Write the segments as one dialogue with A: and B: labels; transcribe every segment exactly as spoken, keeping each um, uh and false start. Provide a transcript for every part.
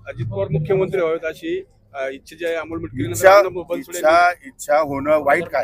A: अजित पवार मुख्यमंत्री व्हावेत अशी अ, इच्छा जी आहे अमोल
B: इच्छा
A: मिटकरी
B: इच्छा इच्छा होणं वाईट काय,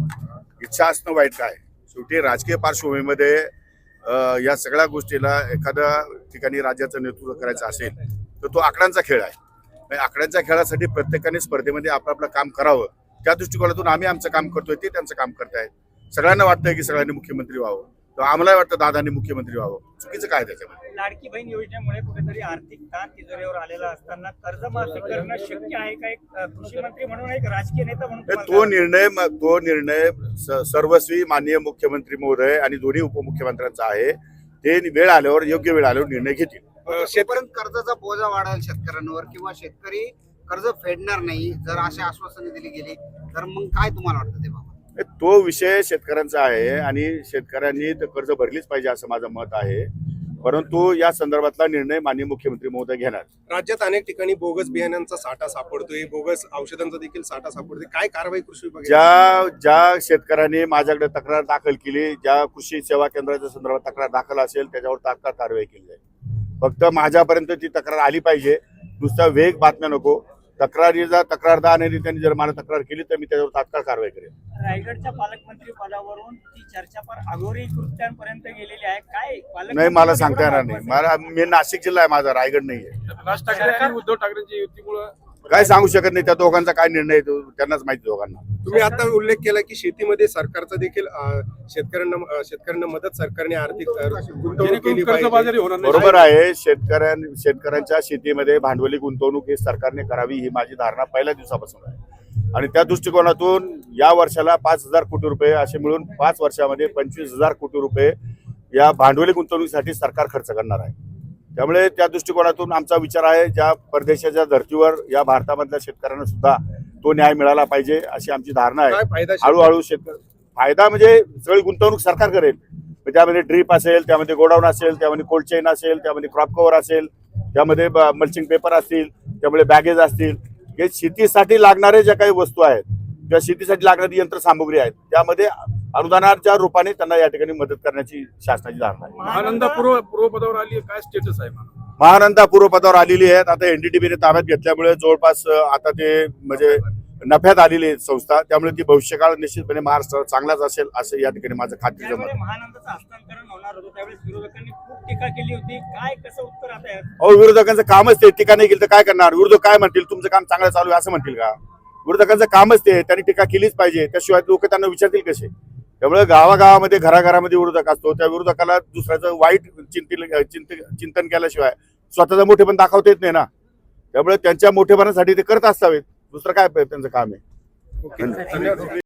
B: इच्छा असणं वाईट काय. शेवटी राजकीय पार्श्वभूमीमध्ये अ, या सगळ्या गोष्टीला एखाद्या ठिकाणी राज्याचं नेतृत्व करायचं असेल तर तो आकड्यांचा खेळ आहे. आणि आकड्यांच्या खेळासाठी प्रत्येकाने स्पर्धेमध्ये आपलं आपलं काम करावं. त्या दृष्टिकोनातून आम्ही आमचं काम करतोय, ते त्यांचं काम करतायत. सगळ्यांना वाटतंय की सगळ्यांनी मुख्यमंत्री व्हावं, तर आम्हाला वाटतं दादांनी मुख्यमंत्री व्हावं. चुकीचं काय त्याच्यामध्ये?
C: लाडकी बहीण योजनेमुळे कुठेतरी आर्थिक ताण तिजोरीवर आलेला असताना कर्जमाफी करणं शक्य आहे का? एक अ, कृषी मंत्री म्हणून, एक राजकीय नेता म्हणून
B: तर
C: तुम्हाला
B: तो निर्णय म- तो निर्णय स- सर्वस्वी माननीय मुख्यमंत्री महोदय आणि दोन्ही उपमुख्यमंत्र्यांचा आहे. ते वेळ आल्यावर, योग्य वेळ आल्यावर निर्णय घेतील.
D: शेतपर्यंत कर्जाचा बोजा वाढेल शेतकऱ्यांवर किंवा शेतकरी कर्ज फेडणार नाही जर अशी आश्वासने दिली गेली तर मग काय तुम्हाला वाटतं ते बाबा?
B: तो विषय शेतकऱ्यांचा आहे आणि शेतकऱ्यांनी तर कर्ज भरलीच पाहिजे असं माझं मत आहे. परंतु या संदर्भातला निर्णय माननीय मुख्यमंत्री महोदय घेणार.
A: राज्यात अनेक ठिकाणी बोगस बियाण्यांचा साठा सापडतोय, बोगस औषधांचा देखील साठा सापडतोय. काय कारवाई कृषी विभाग
B: ज्या ज्या शेतकऱ्यांनी माझ्याकडे तक्रार दाखल केली, ज्या कृषी सेवा केंद्राच्या संदर्भात तक्रार दाखल असेल त्याच्यावर तात्काळ कारवाई केली जाईल. फक्त माझ्यापर्यंत ती तक्रार आली पाहिजे, नुसता वेग बातम्या नको. तक्रारीचा तक्रारदार आणि त्यांनी जर मला तक्रार केली तर मी त्याच्यावर तात्काळ कारवाई करेन.
C: रायगडच्या पालकमंत्री पदावरून ती चर्चा फार अघोरी कृत्यांपर्यंत गेलेली आहे. काय पालकमंत्री
B: नाही, मला
C: पद
B: सांगता
C: एवढं
B: येणार नाही.
C: महत्त्वाचं
B: मला मी नाशिक जिल्हा आहे माझा, रायगड नाही आहे.
A: राज ठाकरे आणि उद्धव ठाकरेंच्या युतीमुळे
B: काय सांगू शकत नाही. त्या दोघांचा काय निर्णय आहे तो त्यांनाच माहिती दोघांना.
A: तुम्ही आता उल्लेख केला की शेतीमध्ये सरकारचा देखील अ, शेतकऱ्यांना अ, शेतकऱ्यांना मदत सरकारने आर्थिक अ, गुंतवणूक केली पाहिजे.
B: बरोबर आहे. शेतकऱ्यां शेतकऱ्यांच्या शेतीमध्ये भांडवली गुंतवणूक ही सरकारने करावी ही माझी धारणा पहिल्या दिवसापासून आहे. आणि त्या दृष्टिकोनातून या वर्षाला पाच हजार कोटी रुपये असे मिळून पाच वर्षामध्ये पंचवीस हजार कोटी रुपये या भांडवली गुंतवणुकीसाठी सरकार खर्च करणार आहे. त्यामुळे त्या दृष्टिकोनातून आमचा विचार आहे, ज्या परदेशाच्या धर्तीवर या भारतामधल्या शेतकऱ्यांना सुद्धा तो न्याय मिळाला पाहिजे अशी आमची धारणा
A: काय
B: आहे.
A: फायदा
B: हळूहळू शेतकरी फायदा म्हणजे सगळी गुंतवणूक सरकार करेल. म्हणजे त्यामध्ये ड्रीप असेल, त्यामध्ये गोडाऊन असेल, त्यामध्ये कोल्ड चेन असेल, त्यामध्ये क्रॉप कव्हर असेल, त्यामध्ये मल्चिंग पेपर असतील, त्यामुळे बॅगेज असतील. हे शेतीसाठी लागणारे ज्या काही वस्तू आहेत किंवा शेतीसाठी लागणारी यंत्रसामुग्री आहेत त्यामध्ये अनुदानाच्या रूपाने त्यांना या ठिकाणी मदत करण्याची शासनाची धारणा आहे.
A: महानंदा पूर्व पूर्व पदावर आली आहे, काय स्टेटस आहे?
B: महानंदा पूर्व पदावर आलेली आहेत. आता एनडीटीबीने ताब्यात घेतल्यामुळे जवळपास अ, आता ते म्हणजे नफ्यात आलेली आहे संस्था. त्यामुळे ती भविष्यकाळ निश्चितपणे महाराष्ट्रात चांगलाच असेल असं या ठिकाणी माझं खात्रीचं मत
C: त्यावेळी
B: आहे.
C: महानंदाचं हस्तांतरण होणार होतं, त्यावेळेस विरोधकांनी खूप टीका केली होती. काय कसं उत्तर आता आहे?
B: अहो, विरोधकांचं कामच ते. टीका नाही केली तर काय करणार? विरोधक काय म्हणतील? तुमचं काम चांगलं चालू आहे असं म्हणतील का? विरोधकांचं कामच ते. त्यांनी टीका केलीच पाहिजे, त्याशिवाय लोक त्यांना विचारतील कसे? त्यामुळे गावागावामध्ये घराघरामध्ये विरोधक असतो. त्या विरोधकाला दुसऱ्याचं वाईट चिंतिल चिंत चिंतन केल्याशिवाय स्वतःचा मोठेपण दाखवता येत नाही ना. त्यामुळे त्यांच्या मोठेपणासाठी ते करत असावेत. दुसरं काय त्यांचं काम आहे?
A: ओके, धन्यवाद.